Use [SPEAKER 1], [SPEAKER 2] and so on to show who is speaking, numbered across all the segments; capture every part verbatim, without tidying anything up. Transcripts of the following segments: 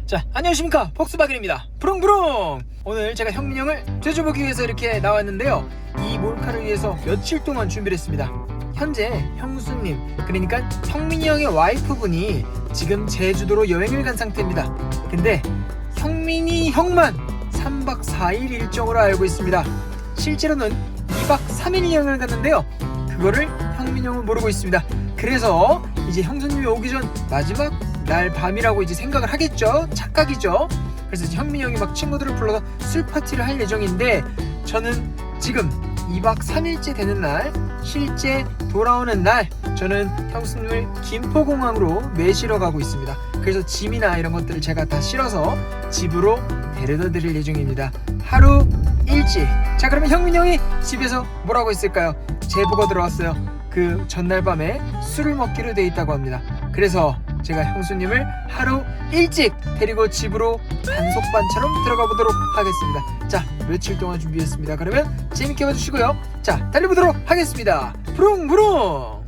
[SPEAKER 1] 자, 안녕하십니까, 폭스바겐입니다. 부릉부릉! 오늘 제가 형민 형을 죄줘보기 위해서 이렇게 나왔는데요, 이 몰카를 위해서 며칠 동안 준비를 했습니다. 현재 형수님, 그러니까 형민이 형의 와이프분이 지금 제주도로 여행을 간 상태입니다. 근데 형민이 형만 삼박 사일 일정으로 알고 있습니다. 실제로는 이박 삼일 여행을 갔는데요, 그거를 형민이 형은 모르고 있습니다. 그래서 이제 형수님이 오기 전 마지막 날 밤이라고 이제 생각을 하겠죠. 착각이죠. 그래서 이제 현민이 형이 막 친구들을 불러서 술 파티를 할 예정인데, 저는 지금 이박 삼일째 되는 날, 실제 돌아오는 날, 저는 형수님을 김포공항으로 매시러 가고 있습니다. 그래서 짐이나 이런 것들을 제가 다 실어서 집으로 데려다 드릴 예정입니다. 하루 일찍. 자, 그러면 형민이 형이 집에서 뭐라고 했을까요? 제보가 들어왔어요. 그 전날 밤에 술을 먹기로 돼 있다고 합니다. 그래서 제가 형수님을 하루 일찍 데리고 집으로 단속반처럼 들어가 보도록 하겠습니다. 자, 며칠 동안 준비했습니다. 그러면 재밌게 봐주시고요. 자, 달려보도록 하겠습니다. 부릉부릉!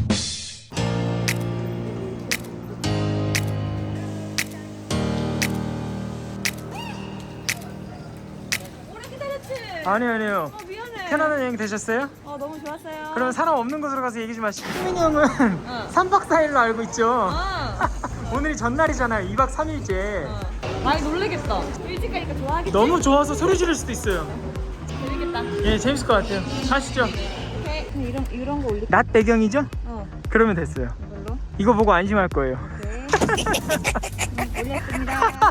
[SPEAKER 2] 오래 기다렸지?
[SPEAKER 1] 아니요, 아니요.
[SPEAKER 2] 어, 미안해.
[SPEAKER 1] 편안한 여행 되셨어요?
[SPEAKER 2] 어, 너무 좋았어요.
[SPEAKER 1] 그럼 사람 없는 곳으로 가서 얘기 좀 하시죠. 형민이 형은
[SPEAKER 2] 어.
[SPEAKER 1] 삼박 사일로 알고 있죠?
[SPEAKER 2] 어.
[SPEAKER 1] 오늘이 전날이잖아요. 이박 삼일째.
[SPEAKER 2] 어. 많이 놀래겠다. 일찍 가니까 좋아하겠지?
[SPEAKER 1] 너무 좋아서 소리 지를 수도 있어요.
[SPEAKER 2] 재밌겠다.
[SPEAKER 1] 예, 재밌을 것 같아요. 가시죠.
[SPEAKER 2] 오케이. 그럼 이런, 이런 거 올릴까?
[SPEAKER 1] 낮 배경이죠?
[SPEAKER 2] 어.
[SPEAKER 1] 그러면 됐어요.
[SPEAKER 2] 이걸로?
[SPEAKER 1] 이거 보고 안심할 거예요.
[SPEAKER 2] 오케이. 음, 올렸습니다.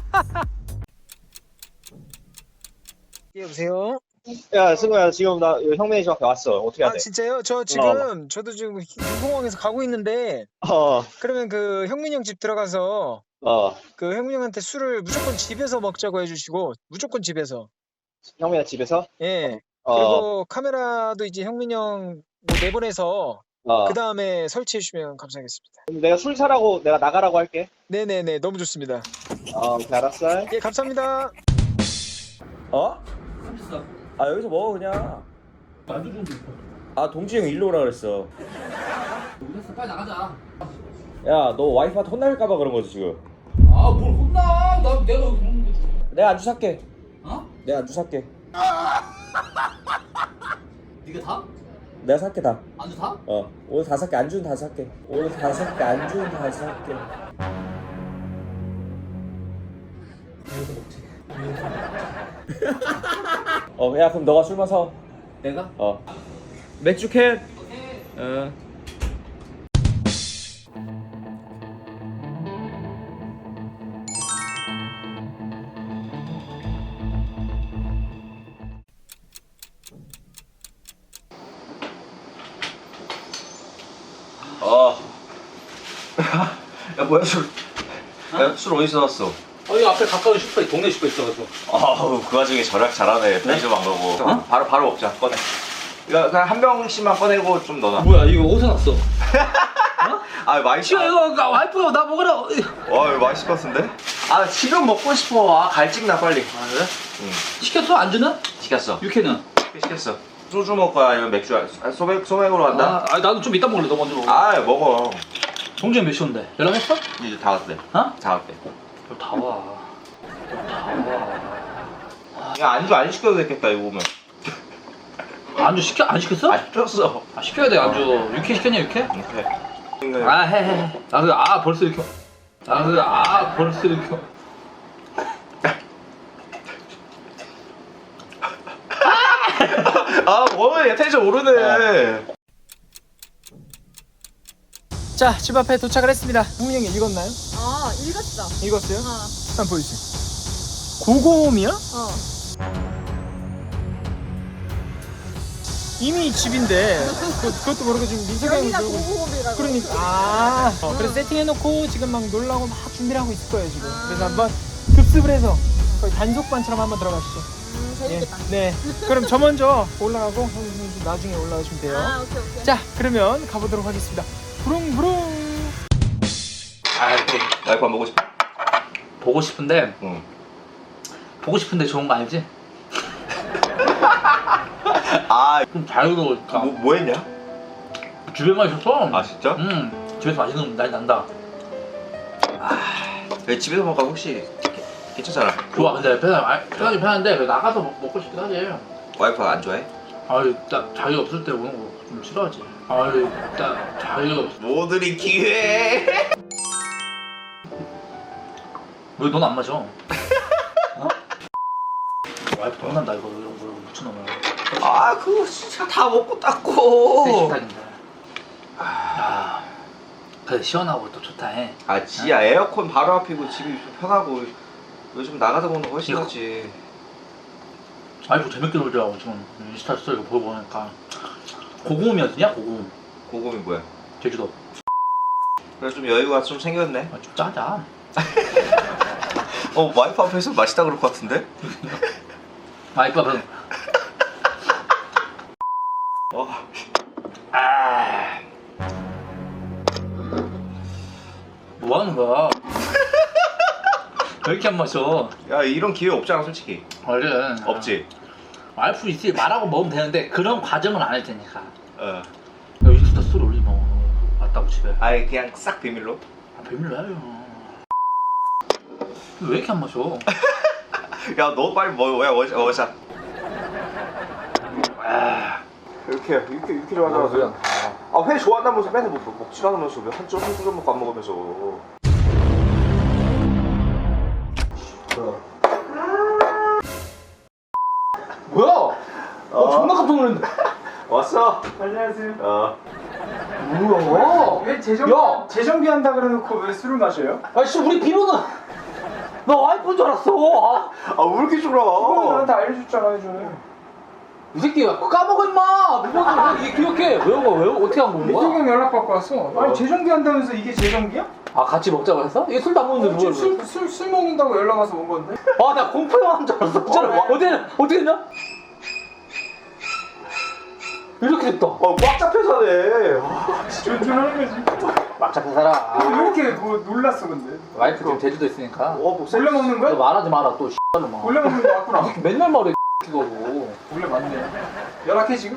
[SPEAKER 1] 여보세요?
[SPEAKER 3] 야, 승우야, 지금 나 형민이 집 앞에 왔어. 어떻게 해야
[SPEAKER 1] 아,
[SPEAKER 3] 돼?
[SPEAKER 1] 진짜요? 저 지금 저도 지금 공항에서 가고 있는데,
[SPEAKER 3] 어,
[SPEAKER 1] 그러면 그 형민이 형 집 들어가서
[SPEAKER 3] 어,
[SPEAKER 1] 그 형민이 형한테 술을 무조건 집에서 먹자고 해주시고, 무조건 집에서.
[SPEAKER 3] 형민이 집에서?
[SPEAKER 1] 예.
[SPEAKER 3] 어,
[SPEAKER 1] 그리고 카메라도 이제 형민이 형 뭐 내보내서
[SPEAKER 3] 어.
[SPEAKER 1] 그 다음에 설치해 주시면 감사하겠습니다.
[SPEAKER 3] 그럼 내가 술 사라고 내가 나가라고 할게.
[SPEAKER 1] 네네네, 너무 좋습니다.
[SPEAKER 3] 어, 오케이, 알았어.
[SPEAKER 1] 예, 감사합니다.
[SPEAKER 4] 어? 아 여기서 먹어 그냥.
[SPEAKER 5] 만두 좀 줘.
[SPEAKER 4] 아 동진이 형 일로 오라 그랬어.
[SPEAKER 5] 됐어, 빨리 나가자.
[SPEAKER 4] 야 너 와이프한테 혼날까봐 그런 거지 지금.
[SPEAKER 5] 아, 뭘 혼나? 나 내가 그런 거.
[SPEAKER 4] 내가 안주 살게.
[SPEAKER 5] 어?
[SPEAKER 4] 내가 안주 살게.
[SPEAKER 5] 네가 다?
[SPEAKER 4] 내가 살게 다.
[SPEAKER 5] 안주 다?
[SPEAKER 4] 어 오늘 다 살게. 안주는 다 살게. 오늘 다 살게. 안주는 다 살게.
[SPEAKER 5] 이거 먹지.
[SPEAKER 4] 어 야 그럼 너가 술 마셔.
[SPEAKER 5] 내가?
[SPEAKER 4] 어 맥주 캔. 어. 어. 야 뭐야 술? 야, 술 어디서 나왔어?
[SPEAKER 5] 어, 이 앞에 가까운 슈퍼, 동네 슈퍼 있어가지고.
[SPEAKER 4] 아우 그 와중에 절약 잘하네. 편의점 안 가고.
[SPEAKER 5] 어?
[SPEAKER 4] 바로 바로 먹자. 꺼내. 이거 그냥 한 병씩만 꺼내고 좀 넣어놔.
[SPEAKER 5] 뭐야, 이거 어디서 났어?
[SPEAKER 4] 아 맛있어.
[SPEAKER 5] 지금 이거 가- 와이프가 나 먹으라.
[SPEAKER 4] 와 이거 맛있을 것 같은데? 아 지금 먹고 싶어. 아 갈증나 빨리.
[SPEAKER 5] 아, 그래?
[SPEAKER 4] 응.
[SPEAKER 5] 시켰어? 안주는?
[SPEAKER 4] 시켰어.
[SPEAKER 5] 육회는?
[SPEAKER 4] 시켰어. 소주 먹을 거야 아니면 맥주? 아, 소맥 소맥으로 한다.
[SPEAKER 5] 아, 아, 나도 좀 이따 먹을래. 너 먼저 먹어.
[SPEAKER 4] 아 먹어.
[SPEAKER 5] 동준이 몇 시온데? 연락했어?
[SPEAKER 4] 이제 다 왔대.
[SPEAKER 5] 어?
[SPEAKER 4] 다 왔대.
[SPEAKER 5] 너 다 와.
[SPEAKER 4] 야 안주 안 시켜도 되겠다 이거 보면.
[SPEAKER 5] 안주 시켜? 안 시켰어?
[SPEAKER 4] 안 시켰어.
[SPEAKER 5] 아, 시켜야 돼, 안주. 육회 시켰냐, 육회?
[SPEAKER 4] 오케이.
[SPEAKER 5] 아, 해, 해, 해. 아, 그, 아, 벌써 이렇게. 아, 그, 아, 벌써 이렇게.
[SPEAKER 4] 아 뭐야 텐션 오르네.
[SPEAKER 1] 자, 집 앞에 도착을 했습니다. 형민이 형이 읽었나요?
[SPEAKER 2] 어, 읽었어.
[SPEAKER 1] 읽었어요?
[SPEAKER 2] 어.
[SPEAKER 1] 한번 보여주세요. 고고홈이요?
[SPEAKER 2] 어.
[SPEAKER 1] 이미 집인데 그, 그것도 모르고 지금 민석이 형이
[SPEAKER 2] 여기가
[SPEAKER 1] 놀고
[SPEAKER 2] 고고홈이라고.
[SPEAKER 1] 그러니까 아 어, 그래서 세팅해놓고 지금 막 놀라고 막 준비를 하고 있을 거예요 지금.
[SPEAKER 2] 아.
[SPEAKER 1] 그래서 한번 급습을 해서 거의 단속반처럼 한번 들어가시죠.
[SPEAKER 2] 음, 재밌겠다.
[SPEAKER 1] 예, 네. 그럼 저 먼저 올라가고 형님 좀 나중에 올라가시면 돼요.
[SPEAKER 2] 아, 오케이, 오케이.
[SPEAKER 1] 자, 그러면 가보도록 하겠습니다. 부릉부릉.
[SPEAKER 4] 아 와이프 안 보고 싶어?
[SPEAKER 5] 보고 싶은데,
[SPEAKER 4] 응.
[SPEAKER 5] 보고 싶은데 좋은 거 아니지?
[SPEAKER 4] 아
[SPEAKER 5] 좀 자유로우니까.
[SPEAKER 4] 뭐, 뭐 했냐?
[SPEAKER 5] 집에만 있었어.
[SPEAKER 4] 아 진짜?
[SPEAKER 5] 응. 집에서 맛있는 날 난다.
[SPEAKER 4] 아, 집에서 먹을까 혹시 괜찮잖아.
[SPEAKER 5] 좋아 근데 편한 아, 편하긴 편한데 그래도 나가서 먹, 먹고 싶긴 하지.
[SPEAKER 4] 와이프가 안 좋아해?
[SPEAKER 5] 아유 딱 자기 없을 때 오는 거 좀 싫어하지. 아유 딱 자기 없.
[SPEAKER 4] 모두리 기회.
[SPEAKER 5] 왜 넌 안 마셔? 어? 와이프 돈난다 이거 이런 거 미친놈아.
[SPEAKER 4] 아 그거 진짜 다 먹고 닦고.
[SPEAKER 5] 새 식탁인데. 아 그래 시원하고 또 좋다 해.
[SPEAKER 4] 아 지야 에어컨 바로 앞이고 집이 좀 편하고 요즘 나가서 먹는 거 훨씬
[SPEAKER 5] 이거.
[SPEAKER 4] 낫지.
[SPEAKER 5] 와이프 재밌게 놀더라고 지금 인스타 스토리 이거 보고 보니까. 고구음이었냐 고구음.
[SPEAKER 4] 고금이 뭐야?
[SPEAKER 5] 제주도.
[SPEAKER 4] 그래 좀 여유가 좀 생겼네.
[SPEAKER 5] 아, 좀 짜자.
[SPEAKER 4] 어 와이프 앞에서 맛있다 그럴 것 같은데?
[SPEAKER 5] 와이프 앞에서.
[SPEAKER 4] 어.
[SPEAKER 5] 아. 뭐 하는 거야? 왜 이렇게 안 마셔?
[SPEAKER 4] 야 이런 기회 없잖아 솔직히.
[SPEAKER 5] 원래
[SPEAKER 4] 없지.
[SPEAKER 5] 와이프 있을 말하고 먹으면 되는데 그런 과정은 안 할 테니까.
[SPEAKER 4] 어.
[SPEAKER 5] 야, 인스타 스토리 올리지 마. 왔다고 집에.
[SPEAKER 4] 아예 그냥 싹 비밀로.
[SPEAKER 5] 아, 비밀로 해요. 왜 이렇게 안 마셔?
[SPEAKER 4] 야 너 빨리 뭐 왜 워샷 워샷.
[SPEAKER 5] 아,
[SPEAKER 4] 이렇게 이렇게 이렇게 좋아하잖아. 아회 좋아한다면서 맨날 뭐, 뭐 먹지도 않으면서 왜한점한점 먹고 안 먹으면서.
[SPEAKER 5] 뭐야? 어, 존나 깜짝 놀랐네.
[SPEAKER 4] 왔어.
[SPEAKER 1] 안녕하세요.
[SPEAKER 4] 어.
[SPEAKER 5] 뭐야?
[SPEAKER 1] 왜 재정
[SPEAKER 5] 야!
[SPEAKER 1] 재정비 한다 그래놓고 왜 술을 마셔요?
[SPEAKER 5] 아씨 우리 비로는 나 와이프인 줄 알았어. 아,
[SPEAKER 4] 아왜 이렇게
[SPEAKER 1] 그거
[SPEAKER 4] 졸아?
[SPEAKER 1] 나한테 알려줬잖아 예전에.
[SPEAKER 5] 이 새끼야 까먹어 임마. 누가 이게 기억해? 외우고 외우 어떻게 안 먹는 거야?
[SPEAKER 1] 민석이 형 연락 받고 왔어. 아니 재정비 한다면서 이게 재정비야?
[SPEAKER 5] 아 같이 먹자고 했어? 얘 술도 안 먹는데 누가
[SPEAKER 1] 술, 술, 술 먹는다고 연락 와서 온 건데.
[SPEAKER 5] 아나 공포 영화인 줄 알았어. 진짜로.
[SPEAKER 1] 어, 왜?
[SPEAKER 5] 어떻게 어떻게 했냐? 이렇게 됐다.
[SPEAKER 4] 어꽉 잡혀 사네.
[SPEAKER 1] 준준하는 거지.
[SPEAKER 5] 막 잡혀 살아.
[SPEAKER 1] 왜 이렇게 뭐 놀랐어 근데?
[SPEAKER 5] 와이프 지금 제주도 있으니까.
[SPEAKER 4] 어 목소리.
[SPEAKER 1] 원래 먹는
[SPEAKER 5] 너
[SPEAKER 1] 거야?
[SPEAKER 5] 말하지 마라 또 씨발로 막.
[SPEAKER 1] 원래 먹는 거 맞구나.
[SPEAKER 5] 맨날 말해 이거고.
[SPEAKER 1] 원래 맞네. 연락해 지금?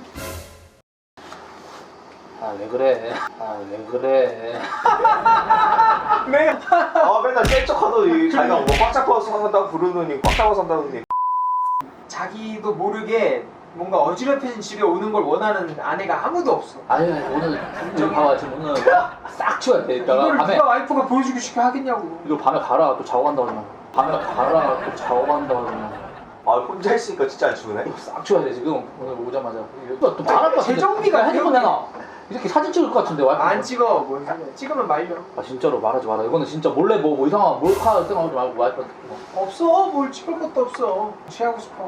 [SPEAKER 5] 아 왜 그래? 아 왜 그래?
[SPEAKER 1] 네.
[SPEAKER 4] 아 맨날 셀쩍하더니 자기가 뭐꽉 잡아서 산다고 부르더니 꽉 잡아서 산다더니.
[SPEAKER 1] 자기도 모르게 뭔가 어지럽혀진 집에 오는 걸 원하는 아내가 아무도 없어.
[SPEAKER 5] 아유 오늘 좀 봐봐 지금 오늘 싹 치워야 돼. 이따가
[SPEAKER 1] 이걸
[SPEAKER 5] 밤에
[SPEAKER 1] 누가 와이프가 보여주고 싶게 하겠냐고.
[SPEAKER 5] 이거 밤에 가라 또 자고 간다 그러면. 밤에 가라 또 자고 간다 그러면.
[SPEAKER 4] 아 혼자 있으니까 진짜 안 추우네.
[SPEAKER 5] 이거 싹 치워야 돼 지금 오늘 오자마자. 이거 또 말할 것 같은데.
[SPEAKER 1] 재정비가
[SPEAKER 5] 핸드폰
[SPEAKER 1] 기억이-
[SPEAKER 5] 내놔. 이렇게 사진 찍을 것 같은데 와이프.
[SPEAKER 1] 안 찍어. 뭔 소리야. 찍으면 말려.
[SPEAKER 5] 아 진짜로 말하지 마라. 이거는 진짜 몰래 뭐, 뭐 이상한 몰카 생각하지 말고 와이프한테. 뭐.
[SPEAKER 1] 없어. 뭘 찍을 것도 없어. 취하고 싶어.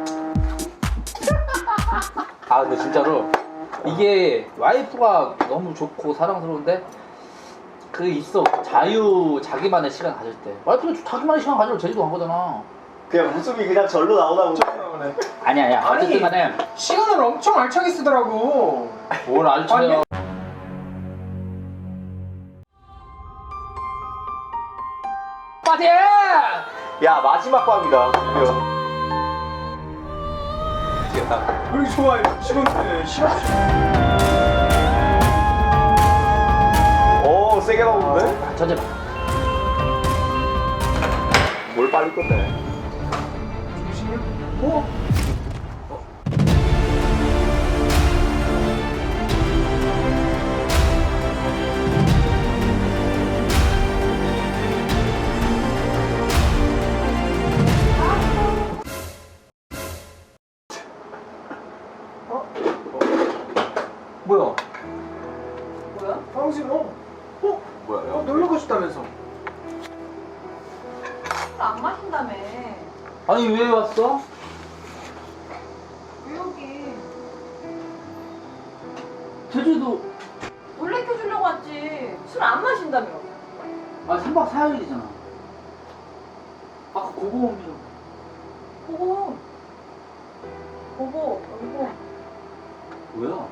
[SPEAKER 5] 아 근데 진짜로 이게 와이프가 너무 좋고 사랑스러운데 그 있어 자유 자기만의 시간 가질 때 와이프는 자기만의 시간 가지러 제주도 간 거잖아.
[SPEAKER 4] 그냥 웃음이 그냥 절로 나오나 보네.
[SPEAKER 1] 나오네.
[SPEAKER 5] 아니야 아니야
[SPEAKER 1] 아니.
[SPEAKER 5] 어쨌든 간에
[SPEAKER 1] 시간을 엄청 알차게 쓰더라고.
[SPEAKER 5] 뭘 알지요. 빠지!
[SPEAKER 4] 야 마지막 밤이다. 드디어.
[SPEAKER 1] 왜 이렇게 좋아해? 시간대 시간.
[SPEAKER 4] 오 세게 나오는데?
[SPEAKER 5] 전제
[SPEAKER 4] 뭘 빨리 끝내.
[SPEAKER 1] 어? 뭐야?
[SPEAKER 2] 뭐야?
[SPEAKER 1] 방금 어? 어?
[SPEAKER 4] 뭐야?
[SPEAKER 1] 어 놀러 가셨다면서?
[SPEAKER 2] 술 안 마신다며.
[SPEAKER 5] 아니 왜 왔어?
[SPEAKER 2] 왜 여기?
[SPEAKER 5] 제주도
[SPEAKER 2] 놀래켜주려고 왔지. 술 안 마신다며.
[SPEAKER 5] 아 삼 박 사 일이잖아. 아까 고고음이라고.
[SPEAKER 2] 보고. 보고. 여기고.
[SPEAKER 5] 뭐야?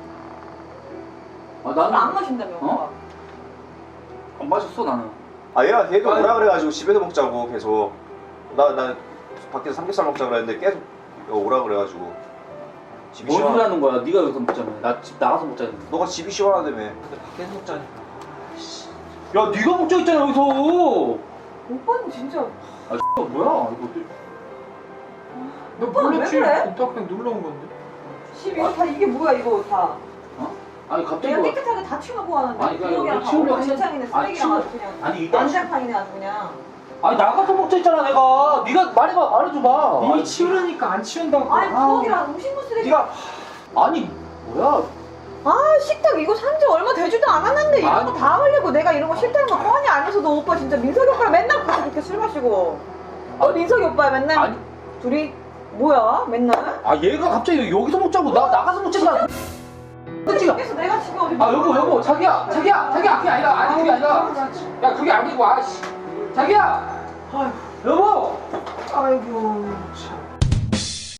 [SPEAKER 5] 아
[SPEAKER 2] 술 안
[SPEAKER 5] 나는
[SPEAKER 2] 마신다며.
[SPEAKER 5] 어?
[SPEAKER 2] 오빠.
[SPEAKER 5] 안 마셨어 나는.
[SPEAKER 4] 아 얘가 걔도
[SPEAKER 1] 아니.
[SPEAKER 4] 오라 그래가지고 집에서 먹자고 계속. 나 나 밖에서 삼겹살 먹자 그랬는데 계속 오라 그래가지고. 집이
[SPEAKER 5] 뭔 소리
[SPEAKER 4] 시원.
[SPEAKER 5] 하는 거야? 네가 여기서 먹자며. 나 집 나가서 먹자 했는데.
[SPEAKER 4] 너가 집이 시원하다며.
[SPEAKER 1] 근데 밖에서 먹자니까.
[SPEAKER 5] 야 네가 먹자 했잖아 여기서.
[SPEAKER 2] 오빠는 진짜
[SPEAKER 5] 아 X가 뭐야 이거 어떻게
[SPEAKER 1] 너
[SPEAKER 2] 오빠,
[SPEAKER 1] 몰랐지?
[SPEAKER 2] 왜 그래?
[SPEAKER 1] 오빠 그냥 놀러 온 건데.
[SPEAKER 2] 집 이거 다 이게 뭐야 이거 다.
[SPEAKER 5] 아니 갑자기
[SPEAKER 2] 내가
[SPEAKER 5] 뭐-
[SPEAKER 2] 깨끗하게 다 치우고 하는데
[SPEAKER 5] 아니, 그러니까
[SPEAKER 2] 기억이랑
[SPEAKER 5] 이거
[SPEAKER 2] 다
[SPEAKER 5] 치우려고
[SPEAKER 2] 오늘
[SPEAKER 5] 했는데-
[SPEAKER 2] 진창이네
[SPEAKER 5] 아니,
[SPEAKER 2] 쓰레기랑
[SPEAKER 5] 치우-
[SPEAKER 2] 아주 그냥
[SPEAKER 5] 아니 이따
[SPEAKER 2] 난장판이네 아주 그냥.
[SPEAKER 5] 아니 나가서 먹자 했잖아 내가 네가 말해봐 말해줘봐
[SPEAKER 1] 이미
[SPEAKER 5] 아니,
[SPEAKER 1] 치우라니까 안 치운다고.
[SPEAKER 2] 아니
[SPEAKER 1] 아.
[SPEAKER 2] 부엌이랑 음식물 쓰레기.
[SPEAKER 5] 네가 아니 뭐야
[SPEAKER 2] 아 식탁 이거 산지 얼마 되지도 않았는데 이런
[SPEAKER 5] 아니.
[SPEAKER 2] 거 다 하려고 내가 이런 거 싫다는 거 뻔히 알면서도 오빠 진짜 민석이 오빠랑 맨날 같이 그렇게 술 마시고. 어 민석이 오빠 맨날
[SPEAKER 5] 아니
[SPEAKER 2] 둘이 뭐야 맨날?
[SPEAKER 5] 아 얘가 갑자기 여기서 먹자고 나 나가서 먹자잖아 그치가
[SPEAKER 2] 그래서 내가 지금 어디
[SPEAKER 5] 아 여보 여보 자기야 자기야 자기야 그게 아니라 아니 그게 아니라 야 그게 아니고 아씨 자기야
[SPEAKER 2] 아이고
[SPEAKER 5] 여보
[SPEAKER 2] 아이고 참.